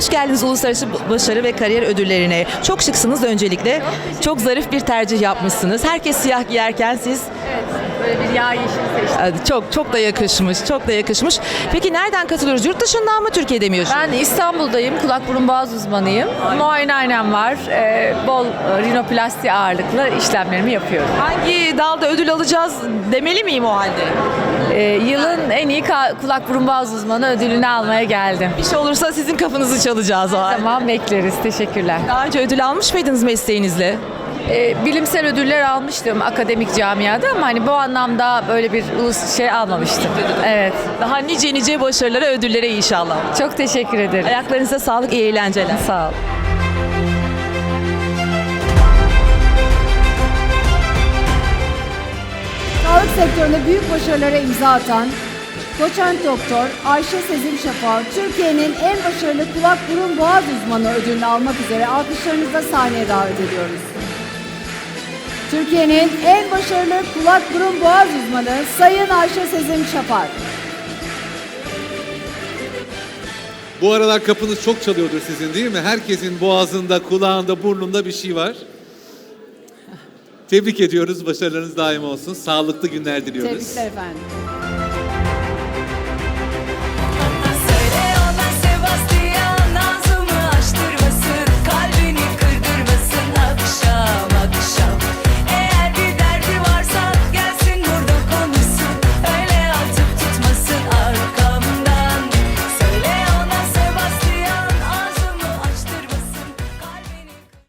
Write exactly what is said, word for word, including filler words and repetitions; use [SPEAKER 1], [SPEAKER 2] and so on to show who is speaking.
[SPEAKER 1] Hoş geldiniz Uluslararası Başarı ve Kariyer Ödülleri'ne. Çok şıksınız öncelikle. Çok zarif bir tercih yapmışsınız. Herkes siyah giyerken siz
[SPEAKER 2] Evet, böyle bir yağ yeşili seçtim.
[SPEAKER 1] çok çok da yakışmış. Çok da yakışmış. Peki nereden katılıyoruz? Yurt dışından mı, Türkiye'de mi yaşıyorsunuz?
[SPEAKER 2] Ben İstanbul'dayım, kulak burun boğaz uzmanıyım. Muayenehanem var, ee, bol e, rinoplasti ağırlıklı işlemlerimi yapıyorum.
[SPEAKER 1] Hangi dalda ödül alacağız demeli miyim o halde?
[SPEAKER 2] Ee, yılın en iyi ka- kulak burun boğaz uzmanı ödülünü almaya geldim.
[SPEAKER 1] Bir şey olursa sizin kafanızı çalacağız o halde.
[SPEAKER 2] Tamam, bekleriz. Teşekkürler.
[SPEAKER 1] Daha önce ödül almış mıydınız mesleğinizle?
[SPEAKER 2] Ee, bilimsel ödüller almıştım akademik camiada ama hani bu anlamda böyle bir ulus şey almamıştım. Evet.
[SPEAKER 1] Daha nice nice başarılara, ödüllere inşallah.
[SPEAKER 2] Çok teşekkür ederim.
[SPEAKER 1] Ayaklarınıza sağlık, iyi eğlenceler.
[SPEAKER 2] Sağ ol.
[SPEAKER 3] Sağlık sektöründe büyük başarılara imza atan doçent doktor Ayşe Sezin Şafak, Türkiye'nin en başarılı kulak burun boğaz uzmanı ödülünü almak üzere alkışlarınızla sahneye davet ediyoruz. Türkiye'nin en başarılı kulak burun boğaz uzmanı Sayın Ayşe Sezin Şafak.
[SPEAKER 4] Bu aralar kapınız çok çalıyordur sizin, değil mi? Herkesin boğazında, kulağında, burnunda bir şey var. Tebrik ediyoruz. Başarılarınız daim olsun. Sağlıklı günler diliyoruz.
[SPEAKER 3] Tebrikler efendim.